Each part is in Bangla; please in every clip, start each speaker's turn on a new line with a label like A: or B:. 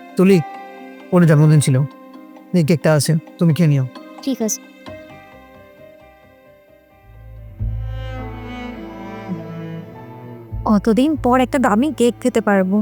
A: তুলি, ওর জন্মদিন ছিল, এই কেকটা আছে, তুমি খেয়ে নিও।
B: ঠিক আছে। অতদিন পর একটা দামি কেক খেতে পারবো।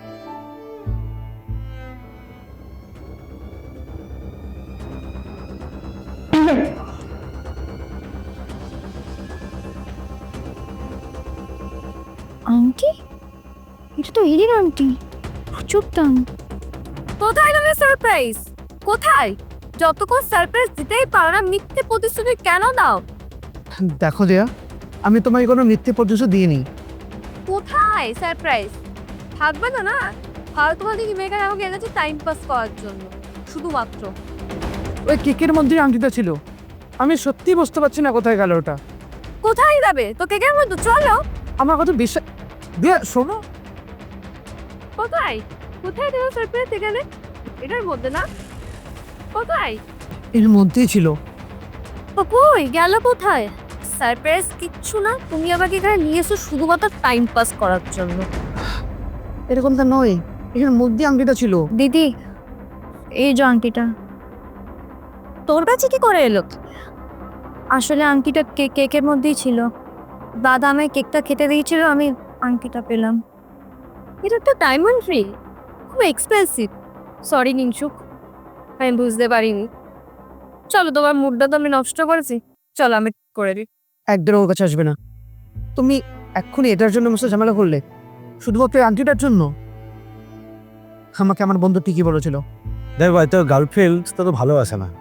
B: আন্টি, এটা তো হিরির আন্টি। চুপ দাম।
C: কোথায় তুমি সারপ্রাইজ? কোথায়? যতক্ষণ সারপ্রাইজ দিতেই পারো না, মিথ্যে প্রতিশ্রুতি কেন দাও?
A: দেখো দেয়া, আমি তোমায় কোনো মিথ্যে প্রতিশ্রুতি দিইনি।
C: কোথায় সারপ্রাইজ? থাকবে তো না? ফালতু ফালতু কি মেয়েকে আমাকে এনেছে টাইম পাস করার জন্য শুধুমাত্র?
A: ওই কেকের মধ্যে আংটিটা ছিল, আমি সত্যি বুঝতে পারছি না কোথায় গেল ওটা।
C: কোথায় যাবে তো কেকের মধ্যে? চলো।
A: আমার কথা বিশ্বাস দিয়া, শোনো।
C: কোথায়? কোথায় দেবো সারপ্রাইজ? এখানে এটার মধ্যে না? কোথায়?
A: এর মধ্যেই ছিল।
C: ও কই গেল কোথায়? সারপ্রাইজ কিচ্ছু না, তুমি আমাকে এখানে নিয়ে এসো শুধুমাত্র টাইম পাস করার জন্য।
A: এরকমটা নয়, এর মধ্যে আংটিটা ছিল।
B: দিদি, এই যে আংটিটা।
C: তোর কাছে কি করে এলো?
B: আসলে আংটিটা কেকের মধ্যেই ছিল। দাদা আমায় কেকটা খেতে দিয়েছিল, আমি আংটিটা পেলাম।
C: এটা তো ডায়মন্ড রিং, খুব এক্সপেন্সিভ। সরি নিংশুক, আমি বুঝতে পারিনি। চলো, তোমার মুডটা তো আমি নষ্ট করেছি, চলো আমি করে দিই।
A: একদিন ওর কাছে আসবে না। তুমি এক্ষুনি এটার জন্য মুসে ঝামেলা করলে, শুধুমাত্র এই আংটিটার জন্য। আমাকে আমার বন্ধু ঠিকই বলেছিল,
D: দেখ ভাই, তোর গার্লফ্রেন্ড তো ভালোবাসে না।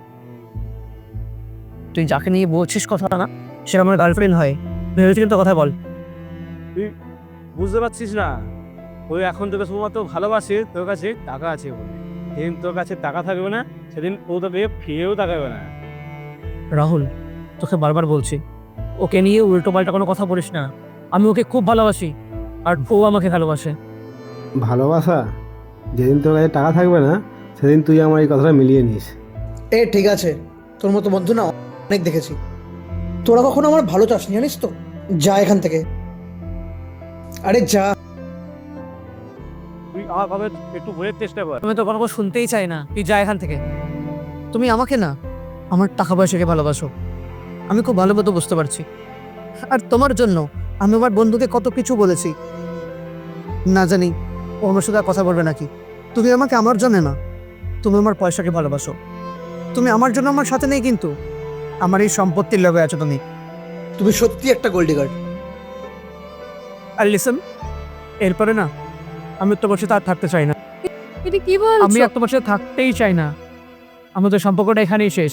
A: তুই যাকে নিয়ে বলছিস কথা না, সে আমার গার্লফ্রেন্ড হয়, ভেবেছি কিন্তু কথা বল।
D: তুই বুঝতে পারছিস না, ওই এখন তোকে শুধুমাত্র ভালোবাসে, তোর কাছে টাকা আছে বলে। যেদিন তোর কাছে টাকা থাকবে না, সেদিন ও তোকে ফিরেও তাকাবে না।
A: রাহুল, তোকে বারবার বলছি, ওকে নিয়ে উল্টো পাল্টা কোনো কথা বলিস না। আমি ওকে খুব ভালোবাসি, আর ও আমাকে ভালোবাসে।
E: ভালোবাসা? যেদিন তোর কাছে টাকা থাকবে না, সেদিন তুই আমার এই কথাটা মিলিয়ে নিস।
F: এ ঠিক আছে, তোর মতো বন্ধু না অনেক দেখেছি। তোরা কখনো আমার ভালো চাসনি, জানিস তো। যা এখান থেকে, আরে যা।
D: তুই আমার ভাবে একটু বোঝার চেষ্টা কর।
A: আমি তো কোনো কথা শুনতেই চাই না, তুই যা এখান থেকে। তুমি আমাকে না, আমার টাকা পয়সাকে ভালোবাসো, আমি খুব ভালো মতো বুঝতে পারছি। আর তোমার জন্য আমি আমার বন্ধুকে কত কিছু বলেছি, না জানি ও আমার সাথে আর কথা বলবে নাকি। তুমি আমাকে আমার জন্য না, তুমি আমার পয়সাকে ভালোবাসো। তুমি আমার জন্য আমার সাথে নেই, কিন্তু আমার এই সম্পত্তির লগে আছো তুমি।
F: তুমি সত্যি একটা গোল্ড ডিগার।
A: আর লিসন, এরপরে না আমি তোমার সাথে আর থাকতে চাই না।
C: এটা কি
A: আমি
C: বলছো?
A: আর তোমার সাথে থাকতেই চাই না। আমাদের সম্পর্কটা এখানেই শেষ।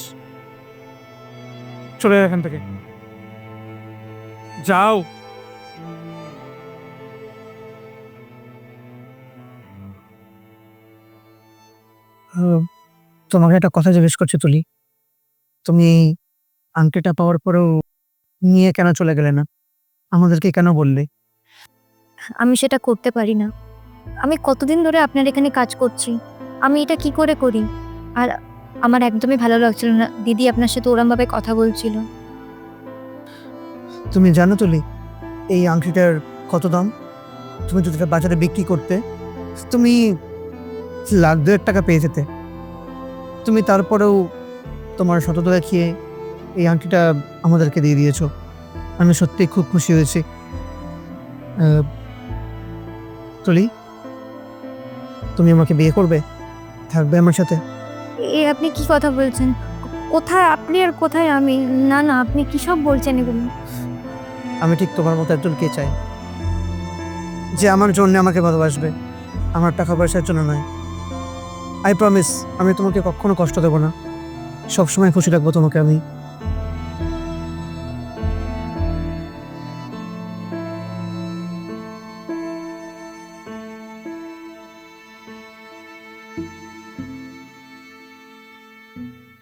A: চলে যাও এখান থেকে, যাও। তোমাকে একটা কথা জিজ্ঞেস করছি তুলি, তুমি আংটিটা পাওয়ার পরেও নিয়ে কেন চলে গেলে না? আমাদেরকে কেন বললে?
B: আমি সেটা করতে পারি না। আমি কতদিন ধরে আপনার এখানে কাজ করছি, আমি এটা কি করে করি? আর আমার একদমই ভালো লাগছিল না দিদি আপনার সাথে ওরমভাবে কথা বলছিল।
A: তুমি জানো তুলি, এই আংটিটার কত দাম? তুমি যদি এটা বাজারে বিক্রি করতে, তুমি লাখ 2 টাকা পেয়ে যেতে। তুমি তারপরেও তোমার সততা দেখিয়ে এই আংটিটা আমাদেরকে দিয়ে দিয়েছো। আমি সত্যিই খুব খুশি হয়েছি। তুলি, তুমি আমাকে বিয়ে করবে, থাকবে আমার সাথে?
B: এ আপনি কি কথা বলছেন? কোথায় আপনি আর কোথায় আমি? না না, আপনি কি সব বলছেন এগুলো?
A: আমি ঠিক তোমার মতো একজনকে চাই, যে আমার জন্য আমাকে ভালোবাসবে, আমার টাকা পয়সার জন্য নয়। আই প্রমিস, আমি তোমাকে কখনো কষ্ট দেবো না, সবসময় খুশি রাখবো তোমাকে আমি।